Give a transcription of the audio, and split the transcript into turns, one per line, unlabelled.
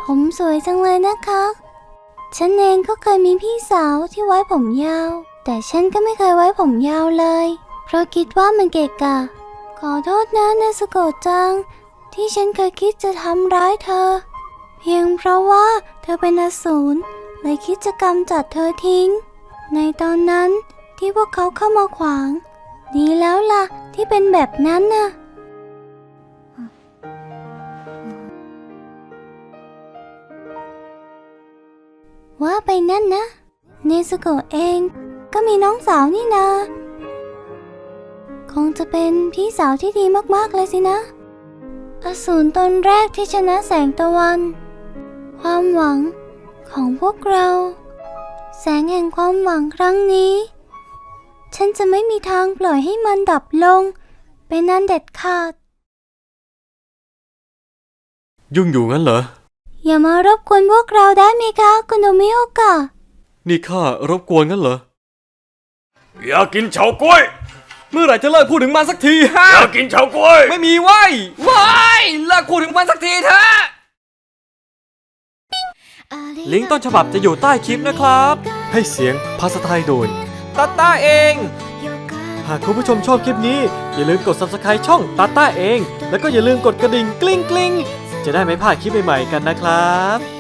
ผมสวยจังเลยนะคะฉันเองก็เคยมีพี่สาวที่ไว้ผมยาวแต่ฉันก็ไม่เคยไว้ผมยาวเลยเพราะคิดว่ามันเกะกะขอโทษนะเนซึโกะจังที่ฉันเคยคิดจะทำร้ายเธอเพียงเพราะว่าเธอเป็นอสูรเลยคิดจะกำจัดเธอทิ้งในตอนนั้นที่พวกเขาเข้ามาขวางดีแล้วล่ะที่เป็นแบบนั้นน่ะว่าไปนั่นนะเนซึโกะเองก็มีน้องสาวนี่นาคงจะเป็นพี่สาวที่ดีมากๆเลยสินะอสูรตนแรกที่ชนะแสงตะวันความหวังของพวกเราแสงแห่งความหวังครั้งนี้ฉันจะไม่มีทางปล่อยให้มันดับลงเป็นอันเด็ดขาด
ยุ่งอยู่งั้นเหรอ
อย่ามารบกวนพวกเราได้ไหมคะคุณโนมิโอกะ
นี่ข้ารบกวนงั้นเหรอ
อยากกินเฉาก๊วย
เมื่อไหร่จะเลิกพูดถึงมันสักทีฮะ
อยากกินเฉาก๊วย
ไม่มีไว้เลิกพูดถึงมันสักทีเถอะลิงก์ต้นฉบับจะอยู่ใต้คลิปนะครับให้เสียงภาษาไทยโดยตาต้าเองหากคุณผู้ชมชอบคลิปนี้อย่าลืมกด Subscribe ช่องตาต้าเองแล้วก็อย่าลืมกดกระดิ่งกลิ้งจะได้ไม่พลาดคลิปใหม่ๆกันนะครับ